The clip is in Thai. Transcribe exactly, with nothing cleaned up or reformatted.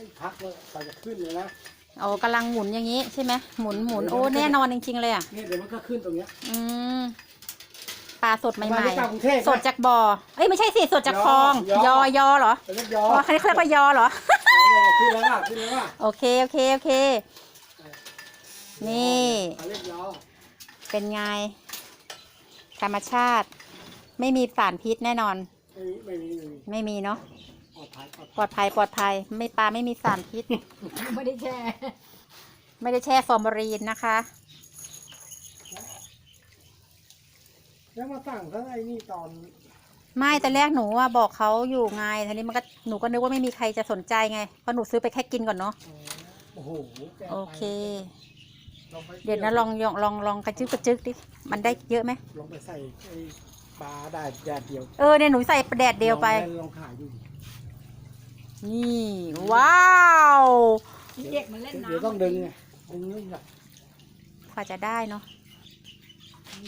พักเลยไปจะขึ้นเลยนะโอ้กำลังหมุนอย่างนี้ใช่ไหมหมุนหมุนโอ้แน่นอนจริงๆเลยอ่ะเนี่ยเดี๋ยวมันก็ขึ้นตรงเนี้ยอืมปลาสดใหม่ๆสดจากบ่อเอ้ยไม่ใช่สิสดจากคลองยอยอเหรอยอเขาเรียกว่ายอเหรอขึ้นแล้วล่ะขึ้นแล้วล่ะโอเคโอเคโอเคนี่เป็นไงธรรมชาติไม่มีสารพิษแน่นอนไม่มีไม่มีไม่มีเนาะปลอดภัยปลอดภัยปลอดภัยไม่ปลาไม่มีสารพิษไม่ได้แช่ไม่ได้แช่ฟอร์มาลีนนะคะแล้วมาสั่งทั้งไอ้นี่ตอนไม่แต่แรกหนูว่าบอกเขาอยู่ไงทีนี้มันก็หนูก็นึกว่าไม่มีใครจะสนใจไงเพราะหนูซื้อไปแค่กินก่อนเนาะโอ้โหโอเคเดี๋ยวนะลองลองลองลองกระจึกกระจึกดิมันได้เยอะไหมลองไปใส่ไอ้ปลาได้แดดเดียวเออเนี่ยหนูใส่แดดเดียวไปลองขายดูนี่ว้าวเด็กมันเล่นน้ำเดี๋ยวต้องดึงไงดึงนี่แหละกว่าจะได้เนาะ